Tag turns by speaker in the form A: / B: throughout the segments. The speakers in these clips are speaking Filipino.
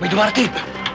A: May dumarating!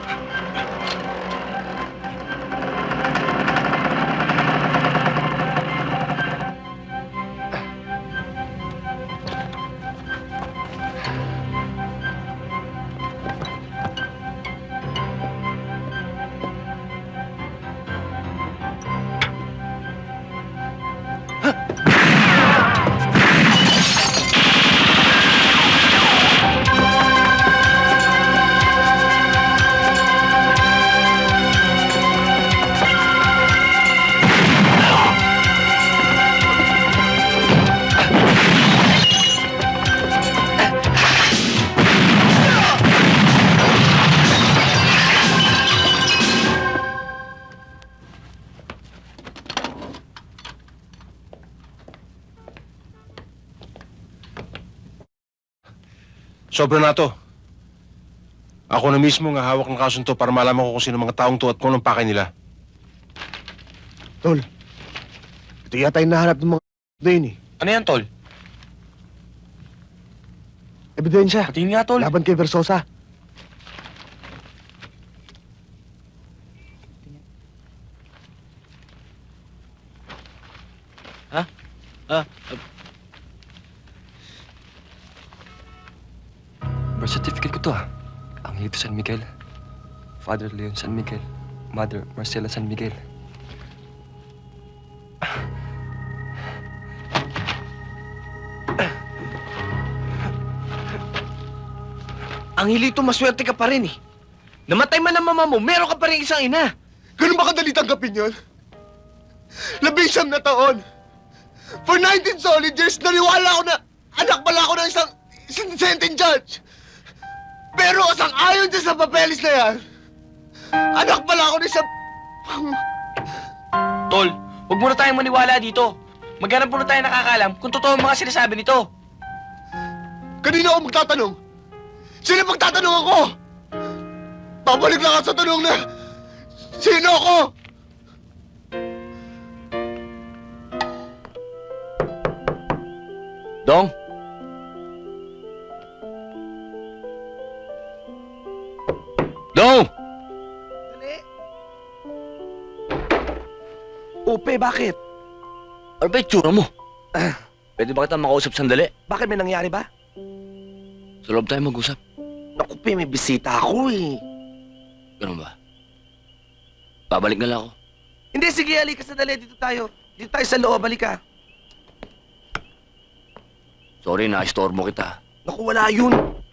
B: Sobra na to. Ako na mismo nga hawak ng kasong to para malaman ko kung sino mga taong to at kung anong pakay nila.
C: Tol, ito yata yung nahanap ng mga na yun eh.
A: Ano yan, Tol?
C: Ebidensya.
A: Patingin nga, Tol.
C: Laban kay Versosa.
D: Birth certificate ko to Angelito San Miguel. Father Leon San Miguel. Mother Marcela San Miguel.
A: Angelito, maswerte ka pa rin eh. Namatay man ang mama mo, meron ka pa rin isang ina.
C: Ganun ba kadali tanggapin yun? 11 na taon. For 19 solid years, naniwala ako na anak pala ako ng isang sentient judge. Pero sang-ayon siya sa papeles na yan, anak pala ako ng isang...
A: Tol, huwag muna tayong maniwala dito. Maghanap muna tayo nakakalam kung totoo ang mga sinasabi nito.
C: Kanina ako magtatanong. Sino magtatanong ako? Babalik lang ako sa tanong na... Sino ako?
A: Dong? Dong!
C: Dali. Upe, bakit?
A: Ano ba yung tsura mo? Pwede ba kita makausap sandali?
C: Bakit may nangyari ba?
A: Sa loob tayo mag-usap.
C: Naku, Pe, may bisita ako eh.
A: Ganun ba? Babalik na lang ako.
C: Hindi, sige, halika sandali. Dito tayo. Dito tayo sa loob, halika.
A: Sorry, na-istorbo kita.
C: Naku, wala yun.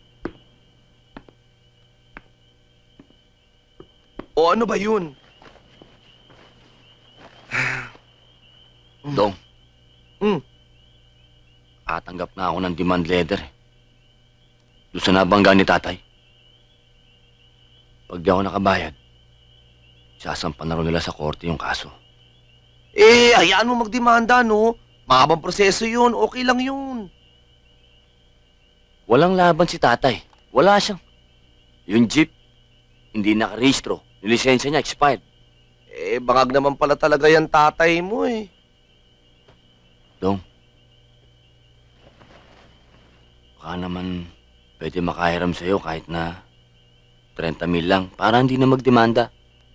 C: O ano ba yun?
A: Dong,
C: Hmm.
A: katanggap na ako ng demand letter. Doon sa nabangga ni tatay. Pag di ako nakabayad, sasampan na rin nila sa korte yung kaso.
C: Eh, hayaan mo magdemanda, no? Mahabang proseso yun. Okay lang yun.
A: Walang laban si tatay. Wala siyang. Yung jeep, hindi nakarehistro. Yung lisensya niya expired.
C: Eh, bangag naman pala talaga yan tatay mo eh.
A: Dong, baka naman pwede makahiram sa'yo kahit na 30,000 lang para hindi na magdemanda.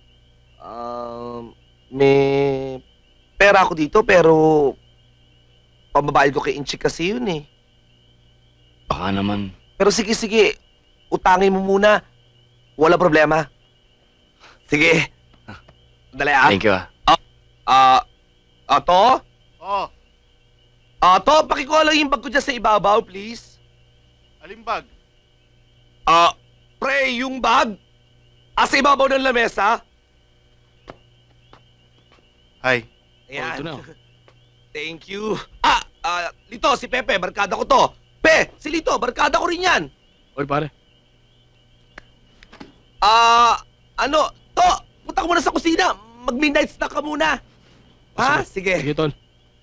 C: May pera ako dito pero pambabayad ko kay Inchik kasi yun eh.
A: Baka naman,
C: Pero sige, sige. Utangin mo muna. Wala problema. Sige. Dali ah.
A: thank you
C: Ato?
E: Oh,
C: Ato, pakikuha lang yung bag ko dyan sa ibabaw, please.
E: alimbag.
C: Pre, yung bag. Sa ibabaw ng lamesa.
E: Hi.
C: Ayan.
A: ito na.
C: Thank you. Lito, si Pepe, barkada ko to. Si Lito, barkada ko rin yan.
D: Oy, pare.
C: Punta ka muna sa kusina. Mag-midnight snack ka muna. Ha? Sige.
D: Sige, tol.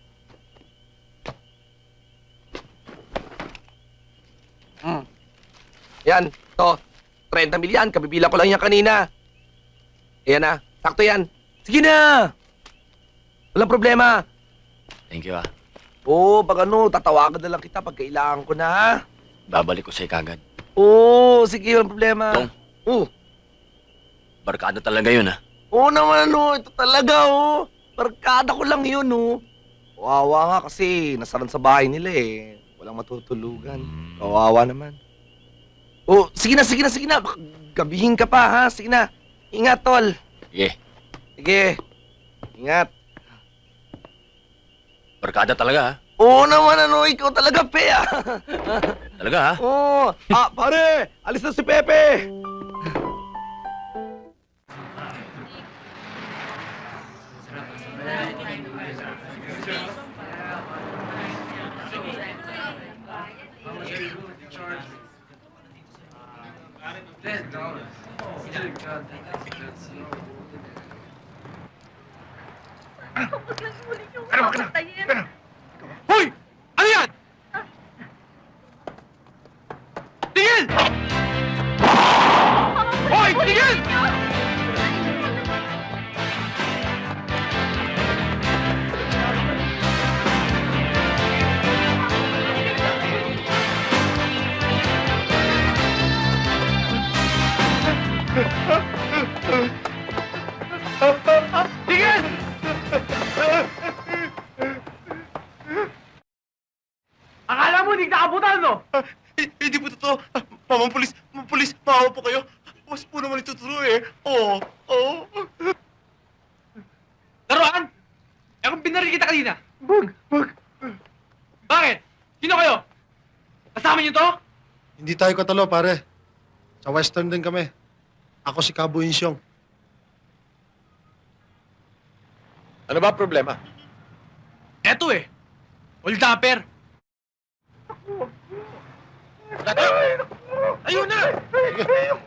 C: Yan, to. 30 milyan, kabibila ko lang yan kanina. Ayan na, sakto yan. Sige na! Walang problema.
A: Thank you
C: Oo, pag ano, tatawagan na lang kita pag kailangan ko na, ha?
A: Babalik ko sa'yo kagad.
C: Oo, sige, walang problema.
A: Dong,
C: Oh,
A: Barkada talaga yun, ha?
C: oo naman, ito talaga, Barkada ko lang yun, Kawawa nga kasi nasaran sa bahay nila, Walang matutulugan. Kawawa naman. Oh, sige na. Baka gabihin ka pa, ha? Sige na. Ingat, tol.
A: Sige,
C: Sige. Ingat.
A: barkada talaga, ha?
C: Oo naman, ikaw talaga, pe,
A: Talaga, ha?
C: Oo. Pare, alis na si Pepe.
B: Hoy! Ano yan? Tingin! Hoy! Tingin! Tingin!
F: Akala mo hindi nakabutan, no?
E: Hindi po totoo. Mamang pulis, maawa po kayo. Mas po naman ito totoo eh. Oo.
F: Laruan? Eh kung binaril kita kanina. Bug. Bakit? Sino kayo? Kasama niyo to?
G: Hindi tayo katalo, pare. Sa Western din kami. Ako si Cabo Insyong.
B: Ano ba ang problema?
F: Eto eh. Hold upper.
B: Ayun na!